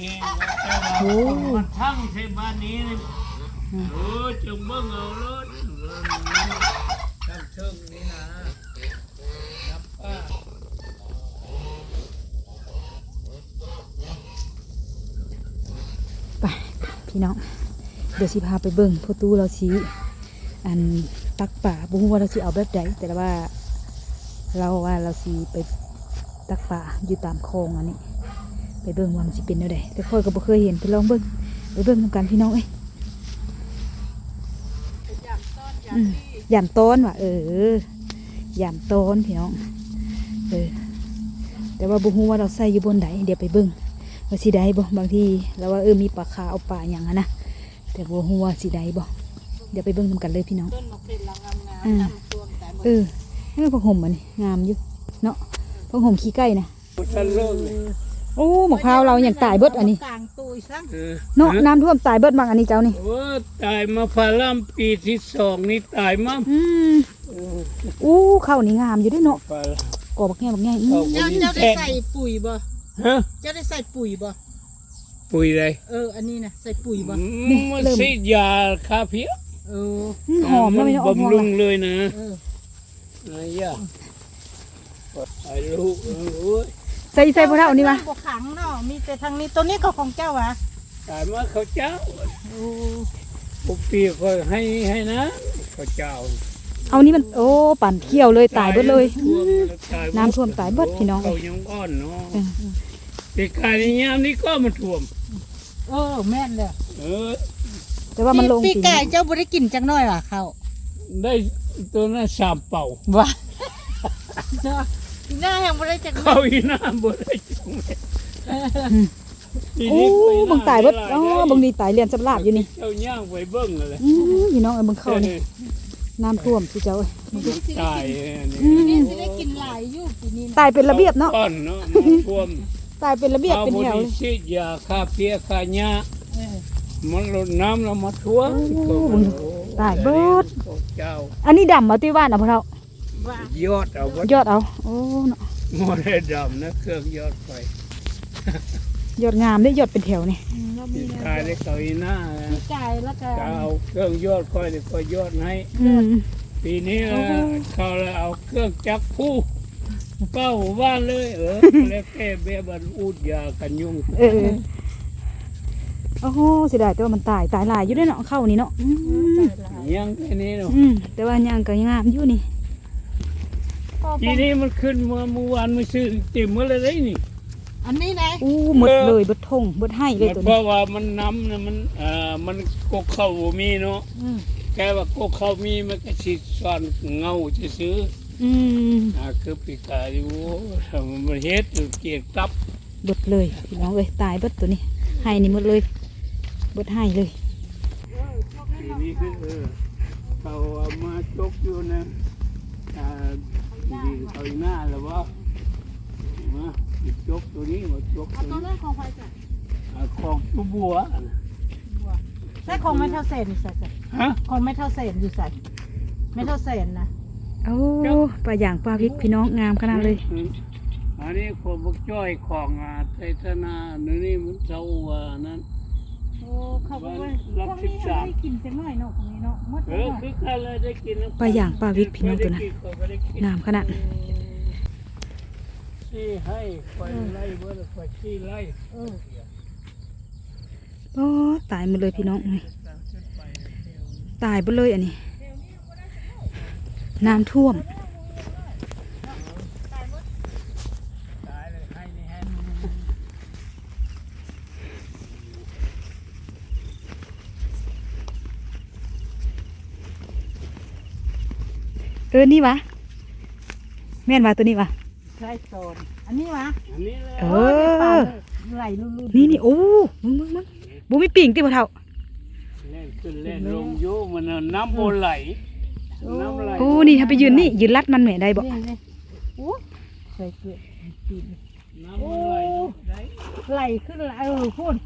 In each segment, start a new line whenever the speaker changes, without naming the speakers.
โอ้
มันทั้งเทบ้านนี้นี่จงเบิ่งเอารถทั้งเชิงนี่นะนับป้า
ไปพี่น้องเดี๋ยวสิพาไปเบิ่งพ่อตู้เราสิอันตักป่าบ่ฮู้ว่าเราสิเอาแบบใดแต่ว่าเราสิไปตักป่าอยู่ตามคลองอันนี้ไปเบิ่งว่ามันสิเป็นแนวใดแต่ค่อยก็บ่เคยเห็นไปลองเบิ่งไปเบิ่งนำกันพี่น้องเอ้ยยามต้นว่ะยามต้นพี่น้องแต่ว่าบ่ฮู้ว่าเราใส่อยู่บนใดเดี๋ยวไปเบิ่งว่าสิได้บ่บางทีเราว่ามีปลาคาเอาปลาหยังนะแต่บ่ฮู้ว่าสิได้บ่เดี๋ยวไปเบิ่งนำกันเลยพี่น้อง
ต้นมะพร้าวงามๆนำตัวแต่หมด
ให้ผักห่มมันงามอยู่เนาะผักห่มขี้ไก่นะโอ้มะพร้าวเราอย่างตายเบิดอันนี้
กลางตุยซัง
เนาะน้ำท่วมตายเบิดบางอันนี้เจ้านี่
โอ้ตายมาพาล่ำปีที่2นี่ตายมั้ง
อู้ข้าวนี่งามอยู่ด้วยเนาะกอบักแง่บักแง่
เจ้าได้ใส่ปุ๋ยบ่
ฮะ
เจ้าได้ใส่ปุ๋ยบ่
ปุ๋ยอะไร
อันนี้นะใส่ปุ๋ยบ่
มันสิยาคาเพีย
หอมแล้วไม่ต้อง
บำรุงเลยนะอะไรอ่ะไอ้ลูก
ใส่พวกเรานี่มา
บ่ขังเนาะมีแต่ทางนี้ตัวนี้ก็ของเจ้าวะ
ตายมาเขาเจ้าปุ๊บปีก็ให้นะเขาเจ้า
เอานี่มันปั่นเขี้ยวเลยตายเบิดเลยน้ำท่วมตายเบิดพี่น้อง
เขายังอ่อนเนาะปีกายยามนี้ก็มันท่วม
แม่นเลย
แต่ว่ามันลง
ปีกายเจ้าบ่ได้กินจังน้อยว่ะเขา
ได้ตัวนั้น3 เป่า
ว่ะหน้ายังบ่ได้จัง
เขาอีหน้าบ่ได้จัง
บังตายเบิดบังดีตายเรียนสำลาบอยู่นี่
เจ้าย่างไว้เบิ่งเลย
พี่น้องบังเข้านี่น้ำท่วมสิเจ้า
ตาย
นี่สิได้กินหลายอยู่ปีนี้
ตายเป็นระเบียบเนาะ
ก้อนเนาะท่วม
ตายเป็นระเบียบเป็นแถวเลย
ฉีดยาฆ่าเพี้ยฆ่าหญ้ามันลดน้ำแล้วมาท่วม
ตายเบิด
เจ้า
อันนี้ดำมาที่บ้านนะพ่อเรา
ยอดเอา
เนาะ
โมเดลดำนะเครื่องยอดไฟ
ยอดงามได้ยอดเป็นแถวนี่
กายได้เกาอีหน้า
ปีกายแล้วก็
เอาเครื่องยอดค่อยก็ยอดให้ปีนี้เขาเลยเอาเครื่องจักรผู้เป้าบ้านเลยแล้วแก้เบี้ยบันอุดยากันยุง
โอ้โหเสียดายแต่ว่ามันตายหลายอยู่ด้วยเนาะเข้านี่เนาะ
ยังแค่นี้เนาะ
แต่ว่ายังก็ยังงามอยู่นี่
ทีนี้มันขึ้นเมื่อวานมันซื้อติ่มเมื่อไรนี่
อันนี้ไง
หมดเลยบดทงบดให้เลยตัวนี้
เพราะว่ามันน้ำนะมันกกเข้ามีเนาะแค่ว่ากกเข้ามีมันก็ฉีดซ่อนเงาจะซื้อคือปีกายอยู่มันเฮ็ดเกียกตับบ
ดเลยพี่น้องเลยตายบดตัวนี้ให้นี่หมดเลยบดให้เลย
ทีนี้คือเขาเอามาจกอยู่นะดีเขาหน้าแล้วว่ามาจกตัวนี้มาจก
ตัวนั้นของใครจ้ะ
ของตัวบัว
ใช่ของไม่เท่าเศษอยู่ใส่ของไม่เท่าเศษอยู่ใส่ไม่เท่าเศษนะ
ปลาอย่างปลาพริกพี่น้องงามขนาดเลย
อันนี้ของบุกจ้อยของไทยธนานี่มันเจ้านั้น
เขาบอกว่าพวกนี้ได้กินจังหน่อยเนาะของนี้เนาะ
คือใครเลยได้กิน
ปลาอย่างปลาพริกพี่น้องตัวนั้นงามขนาด
ที่ให้ไฟไล่เบอร์ไฟที่ไล่
ตายหมดเลยพี่น้องตายหมดเลยอันนี้น้ำท่วมนี่วะแม่นวะตัวนี้วะ
ใช่โซนอันนี้วะไหลลุ่น
นี่โอ้มึงบุมีปิ่งที่บ่เท่า
เล่นขึ้นเล่นลงโยมันน้ำโบไหล
นี่ถ้าไปยืนนี่ยืนลัดมันแม่ได้บ่
ใส่เกลือปีน
น้ำมันไหล
ขึ้นไหลพูด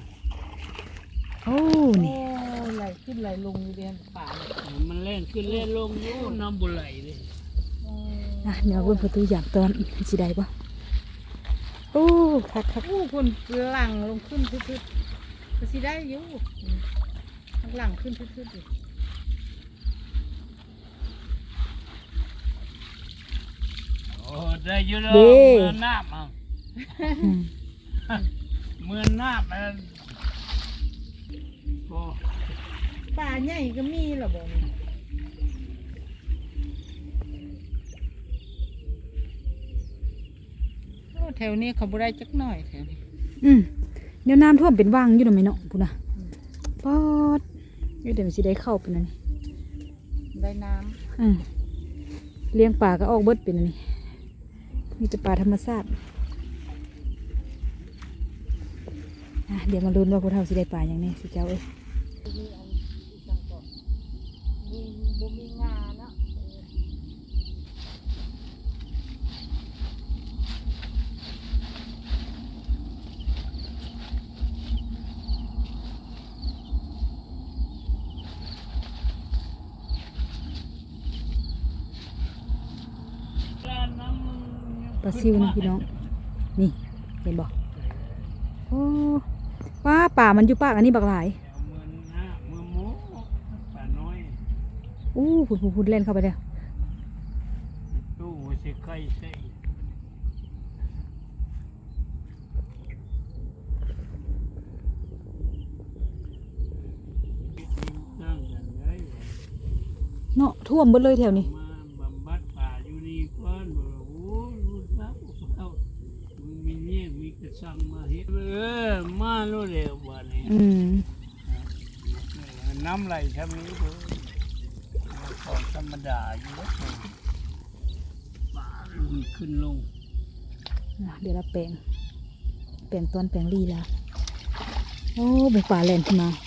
นี่
ไหลขึ้นไหลลงอยู่เรียนป่า
มันเล่นขึ้นเล่นลงโยน้ำโบไหลเลย
เดี๋ยวเบิ่งประตูอย่างตอนสิได้บ่อู้คัก
อู้คนหลังลงขึ้นทึดๆก็สิได้อยู่ข้างหลังขึ้นทึดๆอยู่
โอ้ได้อยู่แล้ว
เด้
เมื่อน้ำอ่ะ
อืม
เมื่อน้ำมันโอ้
ป่าใหญ่ก็มีเหรอบ่นี่โอ้แถวนี้เขาบ่ได้จักหน่อยแถวนี้
อืมเดี๋ยวน้ำท่วมเป็นวังอยู่หน่อยไหมเนาะพูดนะปอดเดี๋ยวมันสิได้เข้าเป็นอันนี้
ได้น้
อืมเลี้ยงปลาก็ออกเบิดเป็นอันนี้มีแต่ปลาธรรมชาติอ่ะเดี๋ยวมาลุ้นว่าพวกเราสิได้ปลาอย่างนี้สิเจ้าเอ้ย
ำมีอันอีกจังก็มีบ่มีงาเนาะ
ปลาซิวนะพี่น้องนี่เห็นบ่โอ้ป้าป่ามันอยู่ปากอันนี้บักหลาย
เมื่อหน้าเมื่อหมูป่าน้อย
อู้พูดเล่นเข้าไปแล้ว
ตู้สิไก่ใส่นั่งกันได้
เนาะท่วมเบิดเลยแถวนี้
มาบำบัดป่าอยู่นี่ก่อนบ่โอ้รู้แล้วเอามึงมีเนี่ยมีกระสังมาเฮ็ดมาโลดแล้วบัดนี้
อืม
น้ำไหลทำนี้เด้อของธรรมดาอยู่แล้วป่าลุยขึ้นลง
อ่ะเดี๋ยวเราแปลงตอนแปลงลีแล้วโอ้เป็นป่าแลนขึ้นมา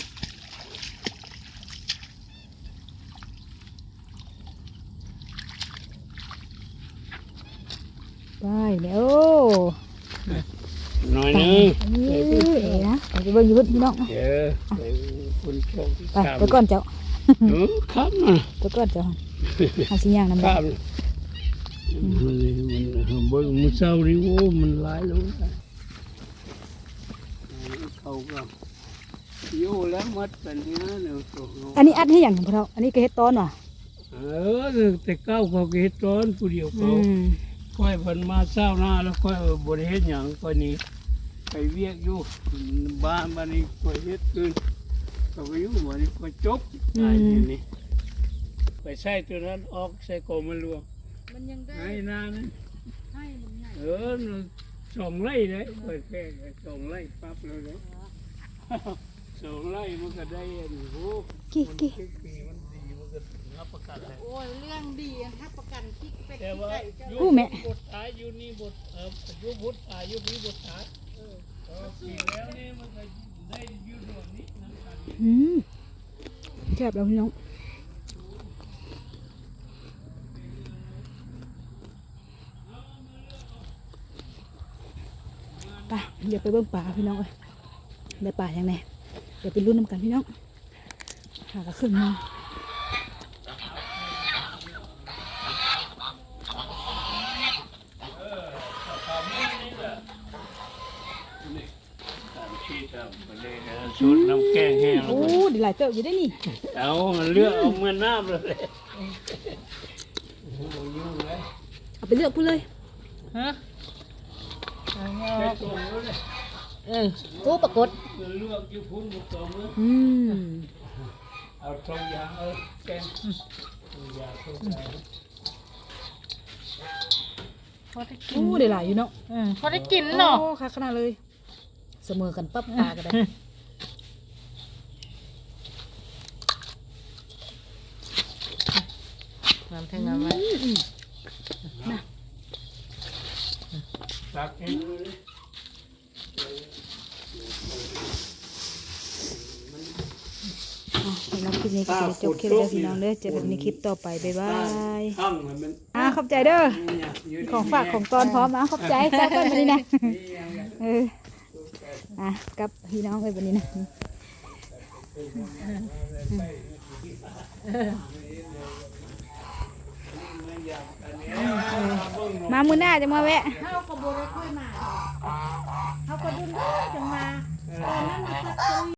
ไปแล้วโอ้
หน่อยนึง
เอ้ยนะไปเบิ่งอยู่เพิ่นพี่น้อง
เดี๋ยวไปคุณโชค
ไปก่อนเจ้า
ครับนะ
ไปก่อนเจ้าเอาสิย่างน้ำ
ค
ลา
รั
ย
บมันเบิ่งมันเศร้าดิโอ้มันหลายแล้วนะเขาก็อยู่แล้วมัดเป็นเนี้ยเดี๋ยวตัว
อันนี้อัดให้อย่างของเราอันนี้ก็เฮ็ดตอนว่ะ
แต่เก้าเขาก็เฮ็ดร้อนผู้เดียว
อื
เขา
ม
ค่อยเพิ่นมาเศร้าหน้าแล้วค่อยบ่ได้เฮ็ดหยังค่อยหนี้ไปเวียกอยู่บ้านบ้านนี้ค่อยเฮ็ดคืนก็ไปอยู่บ้านนี้ค่อยจบตายอยู่นี่ไปใส่ตัวนั้นออกใส่กอมันรวม
มันยังได้
ให้นานั้น
ให้มันใหญ่
2 ไร่เลยค่อยแค่2 ไร่ปั๊บเลย 2 ไร่มันก็ได้อันนี้โอ้
กี่
ปีมันดีมันก็รับประกันเลย
โอ้ยเรื่องดีรับประกันที่เป็ด
แต่
ที่
ว่า
ไก่เจ้า
อู้แม่
บทตายอยู่นี่บทอยู่บทตายอยู่นี่บทตายปีแล้วนี่มันก็ได้อยู่รวมนี้นั่นกัน
อืมแซ่บแล้วพี่น้องไปเดี๋ยวไปเบิ่งป่าพี่น้องเอ้ยได้ป่าอย่างไงเดี๋ยวไปรุ่นน้ำกันพี่น้องหากระขึ้นมา
ชุดน้ำแกงแห้ง
โอ้ดีหลายเติบอยู่ได้นี่
เอาเลือกเอาเมื่อน้ำเลย
เอาไปเลือกพูดเลย
ฮะ
ใช้ตัวมือเลย
โอ้ปรากฏ
เลือกอยู่พุ่นตัวมือ
อืม
เอาตรงยางแกงตรงยางตรงยาง
พอได้กิ
โอ้
น
ได้หลายอยู่เนาะ
พอได้กินเนาะ
โอ้ค่ะขนาดเลย เสมอกันปั๊บปลากันได้
น้ำแทงน้ำไว้
ตักเองเลย
สำหรับคลิปนี้ก็จะจบคลิปแล้วพี่น้องเด้อเจอกันในคลิปต่อไปบ๊ายบาย
ข้างมัน
ขอบใจเด้อของฝากของตอนพร้อมขอบใจจ้ากันวันนี้นะกับพี่น้องเลยวันนี้นะมามื้อหน้าจะมาแวะ
เฮาก็บ่ได้ค่อยมาเฮาก็ดุนจังมาตอนนั้นมันสัก